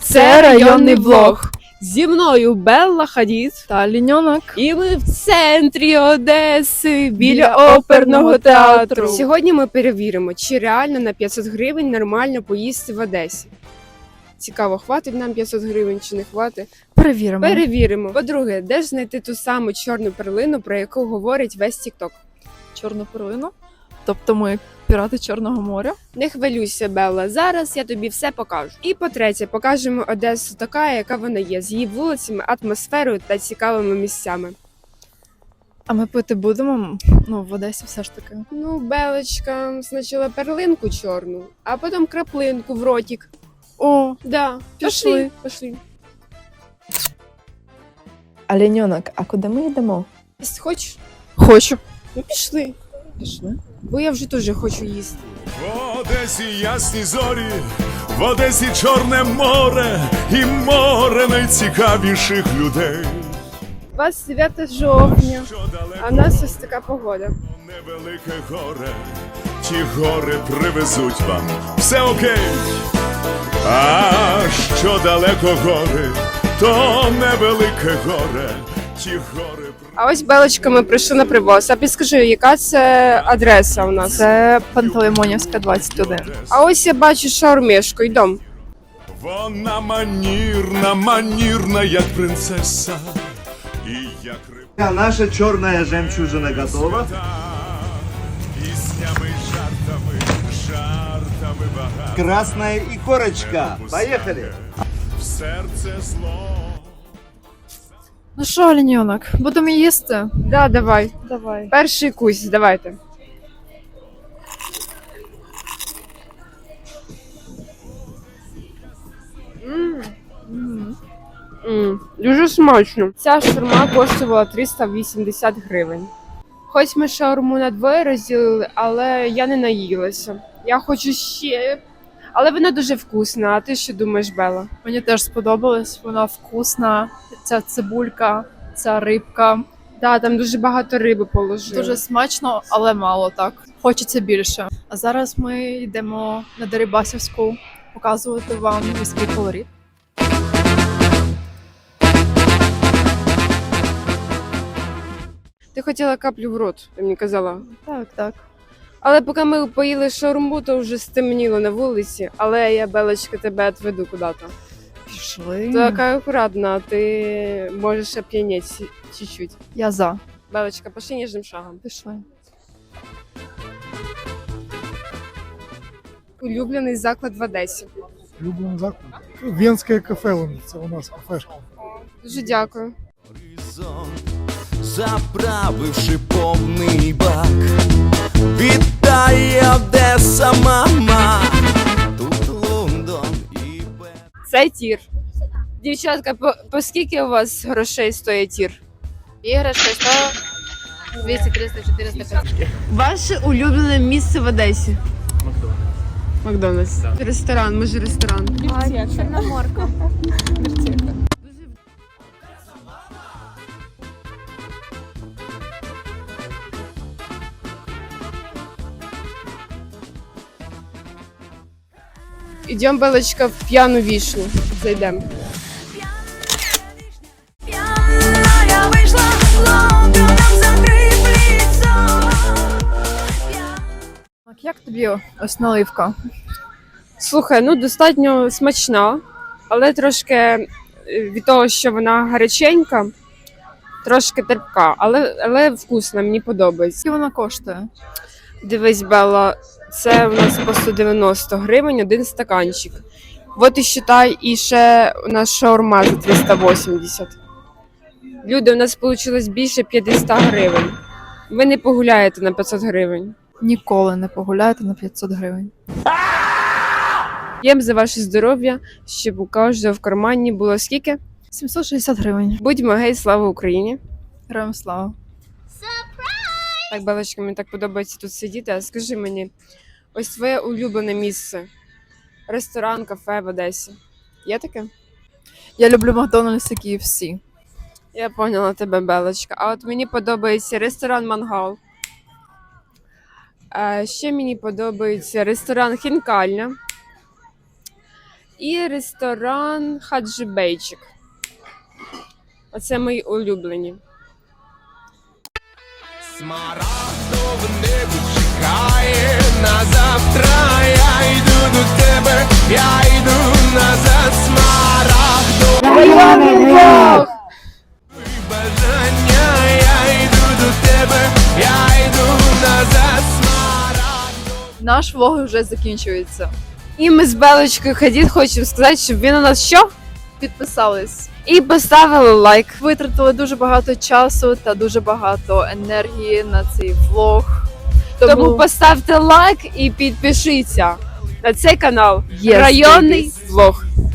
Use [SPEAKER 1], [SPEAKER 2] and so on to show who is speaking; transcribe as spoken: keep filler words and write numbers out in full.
[SPEAKER 1] Це районний влог.
[SPEAKER 2] Зі мною Белла Хадід
[SPEAKER 1] Та Ліньонок.
[SPEAKER 2] і ми в центрі Одеси, біля
[SPEAKER 1] Біля
[SPEAKER 2] оперного театру.
[SPEAKER 1] театру.
[SPEAKER 2] Сьогодні ми перевіримо, чи реально на п'ятсот гривень нормально поїсти в Одесі. Цікаво, хватить нам п'ятсот гривень чи не хватить?
[SPEAKER 1] Перевіримо.
[SPEAKER 2] Перевіримо. По-друге, де ж знайти ту саму чорну перлину, про яку говорить весь Тік-Ток?
[SPEAKER 1] Чорну перлину. Тобто ми пірати Чорного моря.
[SPEAKER 2] Не хвилюйся, Белла, зараз я тобі все покажу. І по-третє, покажемо Одесу така, яка вона є, з її вулицями, атмосферою та цікавими місцями.
[SPEAKER 1] А ми пити будемо, ну, в Одесі все ж таки.
[SPEAKER 2] Ну, Белочка, спочатку перлинку чорну, а потім краплинку в ротик.
[SPEAKER 1] О,
[SPEAKER 2] Да,
[SPEAKER 1] Пішли.
[SPEAKER 2] пішли.
[SPEAKER 3] А Ліньонок, а куди ми йдемо?
[SPEAKER 2] Їсти хочеш?
[SPEAKER 1] хочу.
[SPEAKER 2] Ну, пішли.
[SPEAKER 1] Пішли.
[SPEAKER 2] Бо я вже дуже хочу їсти.
[SPEAKER 4] В Одесі ясні зорі, в Одесі Чорне море і море найцікавіших людей.
[SPEAKER 2] двадцять дев'яте жовтня,
[SPEAKER 4] Що далеко
[SPEAKER 2] а в нас ось така погода.
[SPEAKER 4] невелике горе, ті гори привезуть вам все окей. А що далеко гори, то невелике горе, ті гори.
[SPEAKER 2] А ось, Белочка, ми прийшли на привоз. А підскажи, яка це адреса у нас?
[SPEAKER 1] Це Пантелеймонівська, двадцять один.
[SPEAKER 2] А ось я бачу шаурмішку, йдем.
[SPEAKER 4] Вона манірна, манірна, як принцеса, і як рибка.
[SPEAKER 5] А наша черная жемчужина готова.
[SPEAKER 4] Піснями, жартами, жартами багато.
[SPEAKER 5] Красная и корочка. Поехали.
[SPEAKER 4] В серце зло.
[SPEAKER 1] Ну що, Ліньонок, будемо їсти?
[SPEAKER 2] Да, давай.
[SPEAKER 1] Давай.
[SPEAKER 2] Перший кусь, давайте. М, Дуже смачно. Ця шаурма коштувала триста вісімдесят гривень. Хоч ми шаурму на двоє розділили, але я не наїлася. Я хочу ще. Але вона дуже вкусна. А ти що думаєш, Белла?
[SPEAKER 1] Мені теж сподобалось, вона вкусна. Ця цибулька, ця рибка.
[SPEAKER 2] Да, там дуже багато риби положили.
[SPEAKER 1] Дуже смачно, але мало так. Хочеться більше. А зараз ми йдемо на Дерибасівську показувати вам міський колорит.
[SPEAKER 2] Ти хотіла каплю в рот, ти мені казала.
[SPEAKER 1] Так, так.
[SPEAKER 2] Але поки ми поїли шаурму, то вже стемніло на вулиці, але я, Белочка, тебе відведу куди-то.
[SPEAKER 1] Пішли.
[SPEAKER 2] Ти така акуратна, ти можеш оп'яніть чуть-чуть.
[SPEAKER 1] Я за.
[SPEAKER 2] Белочка, пошли ніжним шагом.
[SPEAKER 1] Пішли.
[SPEAKER 2] Улюблений заклад в Одесі.
[SPEAKER 6] Любим заклад. Венське кафе воно, це у нас кафешка.
[SPEAKER 2] Дуже дякую.
[SPEAKER 7] Заправивши повний бак, вітає Одеса, мама, тут Лондон і Берлін.
[SPEAKER 2] Це тір. Дівчатка, по, по скільки у вас грошей стоїть тір?
[SPEAKER 8] Іграшка сто, двісті, триста, чотириста, п'ятсот.
[SPEAKER 2] Ваше улюблене місце в Одесі? Макдональдс. Макдональдс. Ресторан, може ресторан.
[SPEAKER 8] Чорноморка.
[SPEAKER 2] Ідемо, Белочка, в п'яну вішню. Зайдемо.
[SPEAKER 9] Я вийшла Лондоном закрив ліцо.
[SPEAKER 1] Так, як тобі ось наливка?
[SPEAKER 2] Слухай, ну достатньо смачна, але трошки е, від того, що вона гаряченька, трошки терпка, але, але вкусна, мені подобається.
[SPEAKER 1] Скільки вона коштує?
[SPEAKER 2] Дивись, Белла, це у нас по сто дев'яносто гривень один стаканчик. От і считай, і ще у нас шаурма за триста вісімдесят. Люди, у нас вийшло більше п'ятдесят гривень. Ви не погуляєте на п'ятсот гривень.
[SPEAKER 1] Ніколи не погуляєте на п'ятсот гривень.
[SPEAKER 2] П'ємо за ваше здоров'я, щоб у кожного в кармані було скільки?
[SPEAKER 1] сімсот шістдесят гривень.
[SPEAKER 2] Будьмо гей, слава Україні!
[SPEAKER 1] Героям слава.
[SPEAKER 2] Так, Белочка, мені так подобається тут сидіти. А скажи мені, ось твоє улюблене місце? Ресторан, кафе в Одесі. Є таке?
[SPEAKER 1] Я люблю Макдональдс і Кей Еф Сі.
[SPEAKER 2] Я поняла тебе, Белочка. А от мені подобається ресторан Мангал. А ще мені подобається ресторан Хінкальня. і ресторан Хаджибейчик. Оце мої улюблені.
[SPEAKER 7] Смарагдове небо чекає на завтра. Я йду до тебе, я йду назад. Смарагдове бажання, я йду до тебе, я йду назад. Смарагдове.
[SPEAKER 1] Наш влог вже закінчується.
[SPEAKER 2] І ми з Белочкою Хадід хочемо сказати, щоб він у нас що?
[SPEAKER 1] Підписались.
[SPEAKER 2] І поставили лайк.
[SPEAKER 1] Витратили дуже багато часу та дуже багато енергії на цей влог.
[SPEAKER 2] Тому поставте лайк і підпишіться на цей канал
[SPEAKER 1] Yes,
[SPEAKER 2] Районний
[SPEAKER 1] babies.
[SPEAKER 2] влог.